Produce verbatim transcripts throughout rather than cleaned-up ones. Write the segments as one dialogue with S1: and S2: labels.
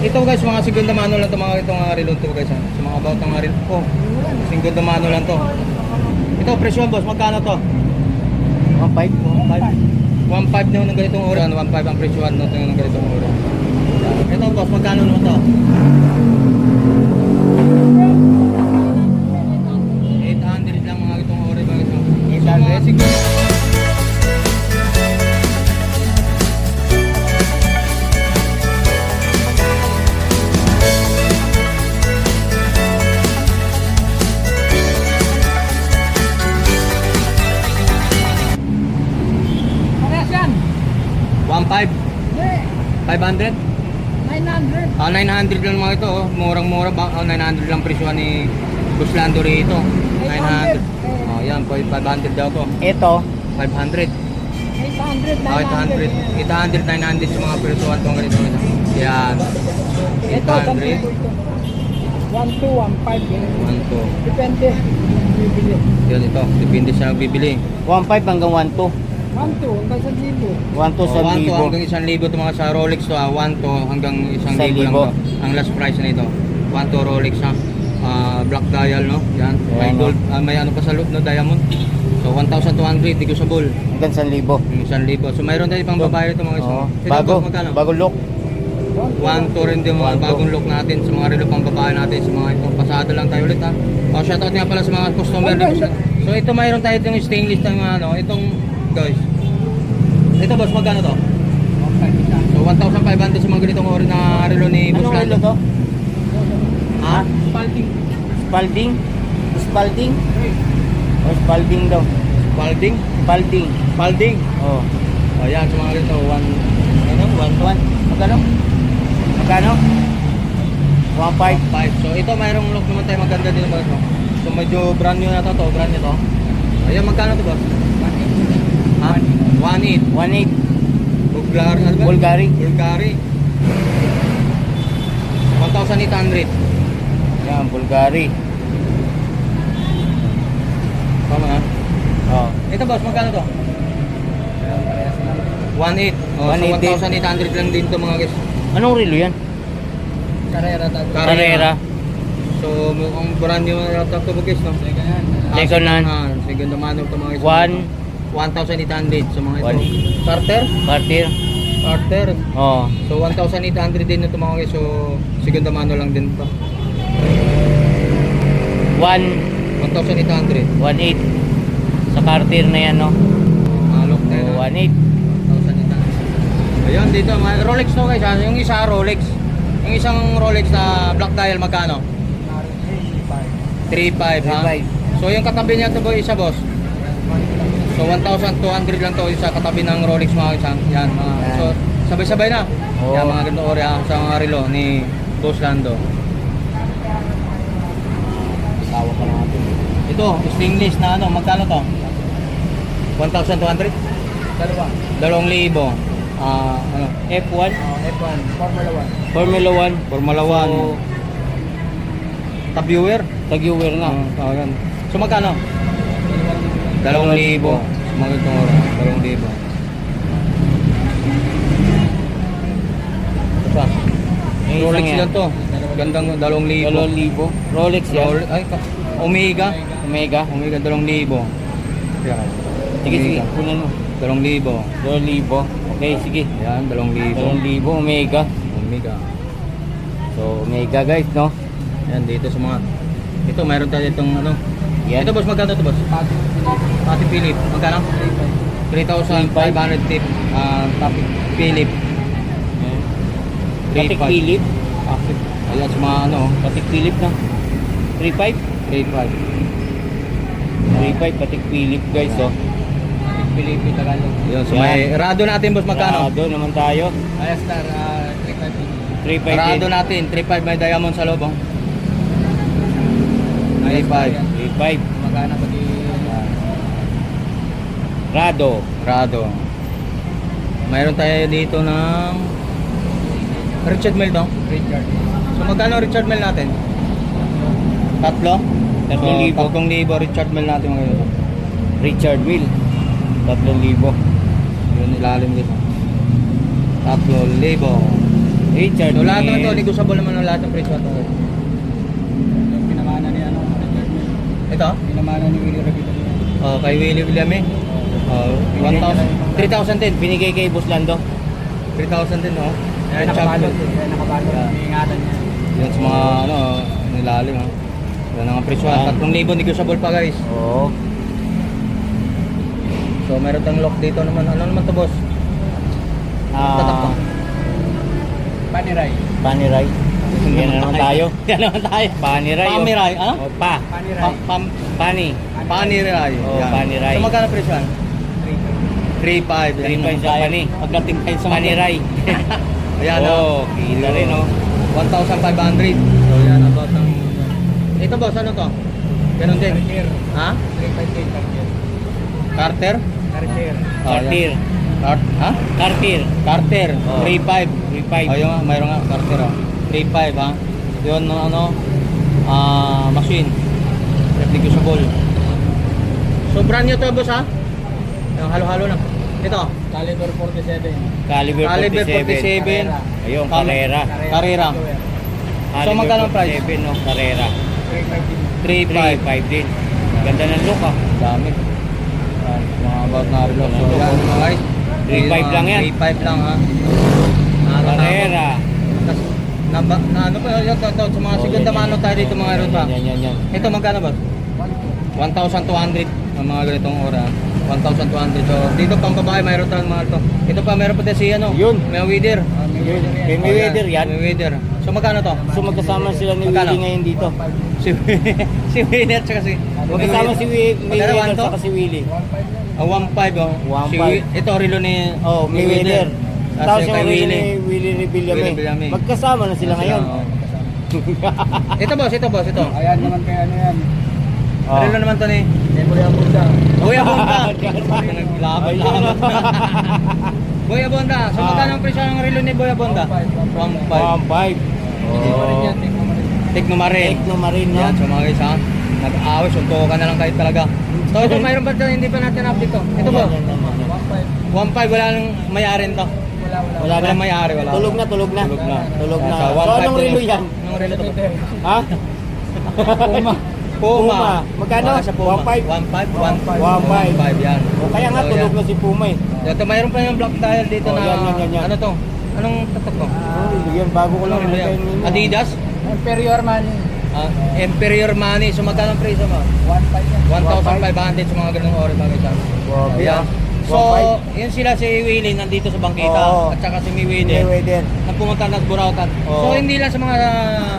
S1: Ito guys, mga segunda mano lang to, mga itong uh, relo to guys. Ha? Sa mga about ng relo. Oh, segunda mano lang to. Ito, presyo boss, magkano to?
S2: one five.
S1: one five na ng ganitong ora, one five ang presyo no ng ganitong ora. Ito boss, magkano naman to? eight hundred lang mga itong ora mga ito. eight hundred siguro. one five? five hundred?
S3: nine hundred.
S1: Ah, nine hundred lang mga ito, oh. Murang-mura ba? Oh, nine hundred lang presyo ni Boss Lando rito. nine hundred. Oh, yan, five hundred daw to.
S2: Ito,
S1: five hundred.
S3: eight hundred,
S1: Oh, eight hundred. eight hundred, nine hundred sa mga presyoan tong ganito. Yan. eight hundred.
S3: one two, one five.
S1: one two.
S3: Depende. Bibili.
S1: Yan ito, depende sa nagbibili.
S2: one five hanggang one two.
S3: one two, hanggang sa libo.
S2: one two
S1: Oh,
S2: sa
S1: one two
S2: libo.
S1: hanggang isang libo ito mga sa Rolex to, ah. one two hanggang isang
S2: Isang
S1: libo lang
S2: libo.
S1: to. Ang last price na ito. one two Rolex ha. Ah, black dial no. Yan. May
S2: Ayan,
S1: gold, ah, may ano pa sa loob no, diamond. So one thousand two hundred negotiable.
S2: Hanggang sa libo.
S1: Yung isang libo. So mayroon tayo pang babae ito mga isa.
S2: Oo.
S1: Ito,
S2: Bago,
S1: boss, magkano?
S2: bago look.
S1: one two rin din mga
S2: One two.
S1: bagong look natin sa mga relo pang babae natin sa mga ito. Pasado lang tayo ulit ha. O shoutout nga pala sa mga customer dito. So ito mayroon tayo itong stainless ng ano, itong guys. Ito boss, magkano to? So one thousand five hundred sa mga ganitong ori na relo ni Boss
S2: Anong relo
S1: Lando.
S2: to?
S1: Ha?
S3: Spalding.
S2: Spalding? Spalding? O Spalding daw.
S1: Spalding?
S2: Spalding.
S1: Spalding.
S2: Oh.
S1: O yan, sa mga ganito. One, ano? One,
S2: One. Magkano? Magkano? one five.
S1: five. So ito mayroong look naman tayo maganda dito boss. No? So medyo brand new na to, to brand new to. Ayan, magkano to boss? Ha? one eight.
S2: one eight.
S1: Bulgari, ano ba?
S2: Bulgari.
S1: Bulgari. one thousand eight hundred.
S2: Yan, Bulgari.
S1: Tama ha?
S2: Oh.
S1: Ito boss, magkano to? one eight. Oh,
S2: one
S1: so
S2: eight
S1: one thousand eight hundred lang din to mga guys.
S2: Anong relo yan?
S3: Carrera tayo.
S2: Carrera.
S1: So mukhang brand new na laptop to guys, no?
S2: Second hand.
S1: Ah, second hand manual to mga guys.
S2: One.
S1: one thousand eight hundred sa mga ito.
S2: One.
S1: Carter?
S2: Cartier.
S1: Carter.
S2: Oh.
S1: So one thousand eight hundred din ito mga guys. So second hand manual lang din to.
S2: one.
S1: one thousand eight hundred.
S2: one eight. Sa Cartier na yan, no?
S1: Alok tayo
S2: Oh,
S1: na.
S2: one eight.
S1: one thousand eight hundred. Ayun dito, mga Rolex to guys. Ha? Yung isa Rolex. Yung isang Rolex na black dial magkano? three five ha.
S2: three five.
S1: So yung katabi niya to boy isa boss. So one thousand two hundred lang to isa katabi ng Rolex mga isa. Yan mga.
S2: Yan.
S1: So sabay-sabay na.
S2: Oo.
S1: Yan mga ganito ori ha, sa mga relo ni Boss Lando.
S2: Tawa ka natin.
S1: Ito, stainless na ano, magkano to? one thousand two hundred?
S3: Dalawa.
S1: Dalawang libo. Ah, ano?
S2: F one.
S3: Oh, F one. Formula one.
S2: Formula one.
S1: Formula one.
S2: So,
S1: Tag-viewer.
S2: tag-viewer nga.
S1: Oh, yan. So magkano? Dalawang libo. Mga ganito ori. Dalawang libo. Ito pa.
S2: Yung
S1: Rolex
S2: isang yan.
S1: yan to. Gandang dalawang libo.
S2: Dalawang libo. Rolex yan.
S1: Rolex, ay, ka- Omega.
S2: Omega.
S1: Omega, dalawang libo. Yan.
S2: Sige, sige.
S1: Omega.
S2: Kunin mo.
S1: Dalawang libo.
S2: Dalawang libo. Okay, sige.
S1: Yan, dalawang libo.
S2: Dalawang libo. Omega.
S1: Omega.
S2: So, Omega guys, no?
S1: Yan, dito sa mga... Ito, mayroon tayo itong ano.
S2: Yan.
S1: Ito boss, magkano ito boss? Pati Philip. Magkano? three thousand five hundred tip. Ah, Pati Philip.
S2: Patik Philip.
S1: Ayan, sa mga ano.
S2: Patik Philip na. three five.
S1: three five.
S2: three five Patik Philip guys, oh.
S1: Philip, Tagalog. Yun, so
S2: Yan.
S1: may Rado natin boss, magkano?
S2: Rado naman tayo.
S1: Ayos star,
S2: three five
S1: Rado
S2: din.
S1: natin, three five may diamond sa loob, oh. three five.
S2: three five.
S1: Magkano pa di...
S2: Rado.
S1: Rado. Mayroon tayo dito ng Richard Mille, no?
S3: Richard.
S1: So magkano Richard Mille natin? Tatlo?
S2: Tatlong
S1: So,
S2: libo.
S1: Tatlong libo Richard Mille natin mga ganito.
S2: Richard Mille. Tatlong libo.
S1: Yun ilalim dito. Tatlong libo.
S2: Richard
S1: So lahat naman to,
S2: Mille.
S1: negotiable naman ang lahat ng presyo to.
S3: Yung pinamana ni ano,
S1: Ito?
S3: pinamana ni Willie Revilla.
S1: Oh, kay Willie William eh. Oh, one thousand, three thousand din.
S2: Binigay kay Boss Lando.
S1: three thousand din, no?
S3: Kaya
S1: Yan,
S3: nakabalot.
S1: champion.
S3: Kaya nakabalot.
S1: Yeah.
S3: Iingatan niya.
S1: Yan sa mga, ano, nilalim, ha? Yan ang presyo.
S2: Yan.
S1: tatlong libo negotiable pa, guys.
S2: Oo.
S1: So, meron tayong lock dito naman. Ano naman to, boss? Tatak to.
S2: Ah,
S3: Paniray.
S2: Paniray. Yan na naman tayo.
S1: Yan naman tayo.
S2: Paniray. oh.
S1: Pamiray, ano?
S2: Oh, pa.
S3: Paniray.
S1: Pa, pam,
S2: Pani.
S1: paniray.
S2: Oh,
S1: Yan.
S2: paniray.
S1: So, magkano presyo yan? three five.
S2: three five sa pani.
S1: Pagdating tayo sa
S2: Paniray.
S1: Ayan,
S2: Oo,
S1: oh.
S2: kita rin, oh.
S1: one thousand five hundred. So, yan ang boss ng... Ito, boss, ano to? Ganun din.
S3: Cartier.
S1: Ha?
S3: three five eight Cartier.
S1: Carter?
S3: Cartier.
S1: Oh,
S2: Cartier.
S1: yan. Cart ha?
S2: Cartier.
S1: Carter.
S2: Oh.
S1: three five.
S2: three five.
S1: Ayun nga, mayroon nga. Carter, oh. three five, ha? Yun, no, ano, ah, machine. Replicable. So, brand new to, boss, ha? Yung halo-halo lang. Ito.
S3: Caliber forty-seven.
S2: Caliber
S1: Caliber
S2: forty-seven.
S1: forty-seven.
S2: Ayun,
S1: Cam-
S2: Carrera.
S1: Carrera. So, magkano ang price?
S2: forty-seven, no? Carrera.
S3: three five din.
S1: three
S2: three
S1: five.
S2: five din. Ganda ng look, ah.
S1: Dami. Yan, mga about na relo. So, yan, mga guys.
S2: three five lang yan.
S1: three five lang, ha? Nakakatakot.
S2: Carrera.
S1: Tas, na, na, ano pa, yun, to, to, sa mga
S2: Oh,
S1: segunda
S2: yan,
S1: mano
S2: yan.
S1: tayo dito mga relo, ha?
S2: Yan, yan, yan.
S1: Ito, magkano ba? one thousand two hundred ang mga ganitong ora. one thousand two hundred. So, dito pang babae, mayroon tayong mga ito. Ito pa, mayroon pa tayo si, ano?
S2: Yun.
S1: May weather.
S2: Yun. Kay Mayweather yan.
S1: May weather. So, magkano to?
S2: So magkasama sila ni
S1: Magkano?
S2: Willie ngayon dito.
S1: Si, si Winner, tsaka si...
S2: Magkasama si Wi-
S1: Magkano,
S2: Mayweather
S1: one to?
S2: saka si Willie.
S1: Ah, one five, oh.
S2: one
S1: Si,
S2: five.
S1: ito, relo ni...
S2: Oh,
S1: ni
S2: Mayweather.
S1: Tapos
S2: Tapos
S1: yung
S2: yung
S1: kay
S2: Willie
S1: Willie.
S2: ni Willie ni Villame.
S1: Willie Villame.
S2: Magkasama na sila ngayon.
S1: oh. Ito, boss, ito, boss, ito.
S3: Ayan naman kaya ano yan.
S2: Oh.
S1: Relo naman to ni...
S3: Memory ang Buddha.
S1: Boy Abonda. Naglaban-laban. Boy Abonda. So,
S2: Ah.
S1: magkano ang presyo ng relo ni Boy Abonda? one five.
S2: one five.
S3: Hindi pa rin yan. Tingnan mo rin.
S1: Tignumarin.
S2: Take no marin, no?
S1: Yan, so mga guys, ha? Nag-aaway, suntukan na lang kahit talaga. So, ito, mayroon ba ito? Hindi pa natin update to. Ito ba?
S2: Yan, yan, yan, yan.
S3: one five.
S1: one five, wala nang may-ari to.
S3: Wala, wala.
S2: Wala
S1: Wala
S2: na.
S1: may-ari, wala.
S2: Tulog na, tulog na.
S1: Tulog na.
S2: Tulog na.
S1: Sa
S2: So,
S1: one five
S2: anong
S1: to-
S2: relo yan?
S1: Anong relo to?
S2: Ha?
S3: Puma.
S1: Puma.
S2: Puma. Magkano?
S1: Wala sa Puma.
S2: one five?
S1: one five, one five.
S2: one five.
S1: one five, yan.
S2: O kaya nga,
S1: So,
S2: tulog
S1: yan.
S2: na si Puma eh.
S1: Ito, mayroon pa yung black dial dito
S2: Oh,
S1: na...
S2: yan, yan, yan, yan.
S1: Ano to? Anong tatak to?
S2: Oh, yan, bago ko lang
S1: Anong relo yan?
S2: nilagay nila.
S1: Adidas?
S3: Inferior money.
S1: Ah, Imperior Money. So, magkano ang presyo mo?
S3: one five yan.
S1: one thousand five hundred sa mga ganung oras mga guys.
S2: Wow,
S1: Ayan.
S2: yeah.
S1: So, yun sila si Willie nandito sa bangkita
S2: Oo.
S1: at saka si Mayweather
S2: Mayweather.
S1: na pumunta ng Burautan.
S2: Oo.
S1: So, hindi lang sa mga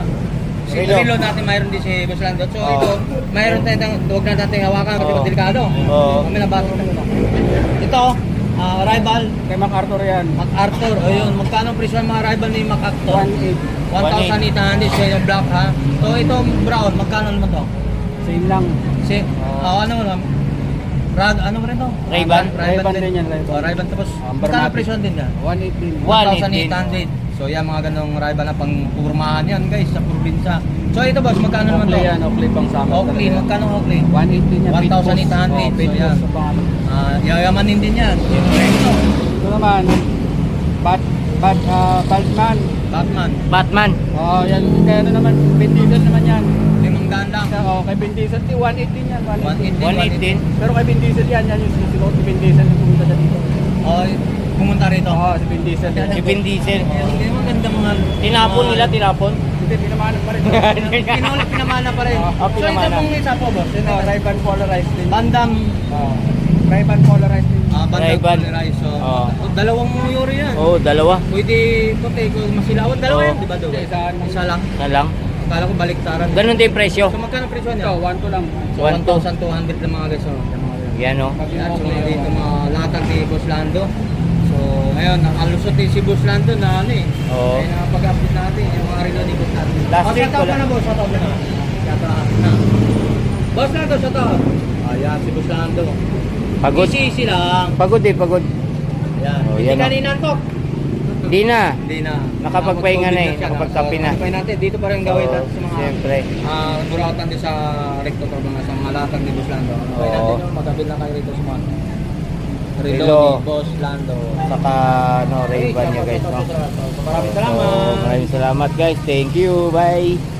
S1: si
S2: Relo.
S1: Relo natin mayroon din si Boss Lando. So,
S2: Oo.
S1: ito, mayroon tayong huwag na natin hawakan kasi
S2: Oo.
S1: delikado.
S2: Oo.
S1: Kami nabasa na ito. Ito, ah, rival,
S3: Kay MacArthur yan.
S1: MacArthur. O yun, magkano ang presyo ng mga rival ni MacArthur?
S3: one eight.
S1: one thousand eight hundred siya yung black, ha? So, itong brown, magkano naman to?
S3: Same lang.
S1: Si, oh, ano mo lang? Rag, ano mo rin to?
S2: Ray-Ban.
S3: Ray-Ban din yan, Ray-Ban.
S1: Oh, Ray-Ban tapos,
S3: Um,
S1: magkano
S3: Barmatic.
S1: presyo din yan?
S3: one eight din.
S2: One.
S1: one thousand eight hundred. So, yan mga ganong Ray-Ban na pang purmahan yan guys, sa probinsya. So, ito boss, magkano naman to?
S3: Oakley yan. Oakley pang sama.
S1: Oakley, magkano Oakley?
S3: one eight din yan.
S1: one thousand eight hundred.
S3: Oh, pit
S1: So, yan.
S3: boss sa pangalan.
S1: Ah, yayamanin din yan. Siyempre ito,
S3: Ito naman. Bat, bat, ah, Batman.
S1: Batman.
S2: Batman.
S3: Oh, yan. Kaya ano naman, Vin Diesel naman yan.
S1: Limang daan lang.
S3: Oh, kay Vin Diesel, one eight din yan.
S1: one eight din,
S2: one eighteen.
S3: Pero kay Vin Diesel yan, yan yung sinusunod ni Vin Diesel yung pumunta siya dito.
S1: Oh, pumunta rito.
S3: Oo, si Vin Diesel.
S2: Si Vin Diesel.
S1: Hindi mo ganda mga...
S2: Tinapon nila, tinapon.
S3: Hindi, pinamanan pa rin.
S1: Pinulit, pinamana pa rin.
S3: Oh,
S2: oh,
S1: So, ito
S2: pinamana.
S1: pong isa po boss. Ito,
S3: Oh, Ray-Ban polarized din.
S1: Bandam.
S3: Oh, Ray-Ban polarized din.
S1: Ah, bandang
S2: Ray-Ban.
S1: polarized. So,
S2: Oo.
S1: dalawang yuri yan.
S2: Oo, oh, dalawa.
S1: Pwede puti kung masilawan. Dalawa
S2: Oo.
S1: yan, di ba doon?
S3: Isa lang.
S1: Isa lang.
S2: Na lang.
S1: Akala ko baliktaran.
S2: Ganun din presyo.
S1: So, magkano presyo niya?
S3: Ito, one to lang.
S1: So,
S2: one
S1: one thousand two hundred lang mga guys. Oh.
S2: Yan o.
S1: Yan, so mga dito mga latag ni Boss Lando. So, ngayon, nakalusot din si Boss Lando na ano eh.
S2: Oo.
S1: Kaya nakapag-update natin yung mga relo ni Boss Lando.
S2: Last
S1: Oh,
S2: week
S1: shout out
S2: wala.
S1: ka na boss, shout out ka na. Shout out na. Boss Lando, shout out. Ayan, si Boss Lando.
S2: Pagod.
S1: Easy lang.
S2: Pagod eh, pagod.
S1: Ayan.
S2: Oh,
S1: Hindi
S2: yan,
S1: ka
S2: oh.
S1: ninantok.
S2: Di na.
S1: Hindi na.
S2: Nakapagpahinga na eh,
S1: Nakapag-COVID siya,
S2: nakapagkape na.
S1: So, kapay natin. Dito pa rin gawin natin sa mga
S2: Siyempre.
S1: ah burautan din sa recto to mga sa mga latag ni Boss Lando. Kapay
S2: Oo.
S1: natin yun, magabil lang kayo rito sa mga. Relo
S2: Relo.
S1: ni Boss Lando.
S2: Saka ano, Ray-Ban niya guys, no?
S1: Maraming
S2: So,
S1: salamat.
S2: maraming salamat guys. Thank you. Bye.